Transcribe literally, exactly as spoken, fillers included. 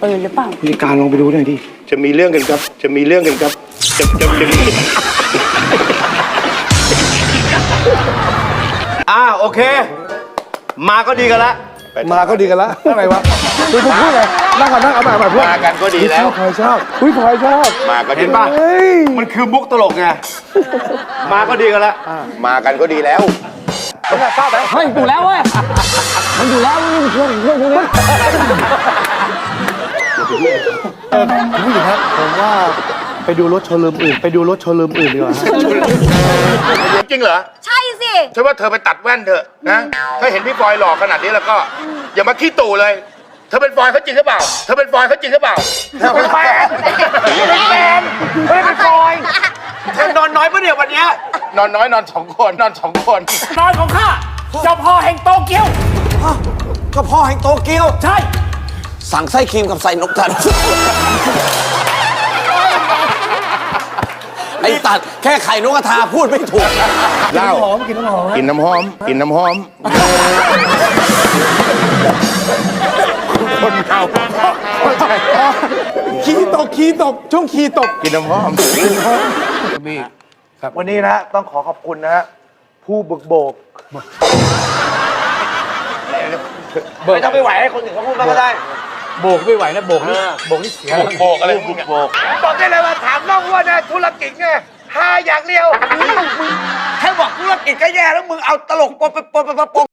ปืนหรือเปล่าผู้จัดการลองไปดูหน่อยดิจะมีเรื่องกันครับจะมีเรื่องกันครับจะจะจะมีอ่าโอเคมาก็ดีกันละมาก็ดีกันแล้วอะไรวะคุณพูดไงนั่งก่อนนั่งเอาใหม่เอาใหม่พูดมากันก็ดีแล้วพลอยชอบอุ้ยพลอยชอบมาก็ดีเห็นป่ะมันคือมุกตลกไงมาก็ดีกันละมากันก็ดีแล้วเฮ้ยอยู่แล้วเว้ยมันอยู่แล้วนี่มันเครื่องเครื่องพวกนี้เออคุณผู้หญิงครับผมว่าไปดูรถโชว์รูมอื่นไปดูรถโชว์รูมอื่นดีกว่าจริงเหรอใช่สิฉันว่าเธอไปตัดแว่นเถอะนะถ้าเห็นพี่ฟอยหล่อขนาดนี้แล้วก็อย่ามาขี้ตู่เลยเธอเป็นฟอยเขาจริงหรือเปล่าเธอเป็นฟอยเขาจริงหรือเปล่าเธอเป็นแฟนเป็นแฟนไม่เป็นฟอยเธอนอนน้อยปะเนี่ยวันเนี้ยนอนน้อยนอนสองคนนอนสองคนนอนของข้าเจ้าพ่อแห่งโตเกียวก็พ่อแห่งโตเกียวใช่สั่งไส้ครีมกับใส่นกทันไอ้ตัดแค่ไข่นกกระทาพูดไม่ถูกเหล้าหอมกินน้ำหอมกินน้ำหอมกินน้ำหอมคนเมาขี้ตกขี้ตกช่วงขี้ตกกินน้ำหอมมีครับวันนี้นะต้องขอขอบคุณนะฮะผู้บุกโบกไม่ต้องไปไหวให้คนอื่นเขาพูดก็ได้โบกไม่ไหวนะโบกนี่โบกนี่เสียโบกอะไรบุกโบกบอกได้เลยว่าถามน้องว่าเนี่ยธุรกิจไงหาอย่างเดียวแค่บอกธุรกิจก็แย่แล้วมึงเอาตลกปนปนปนปน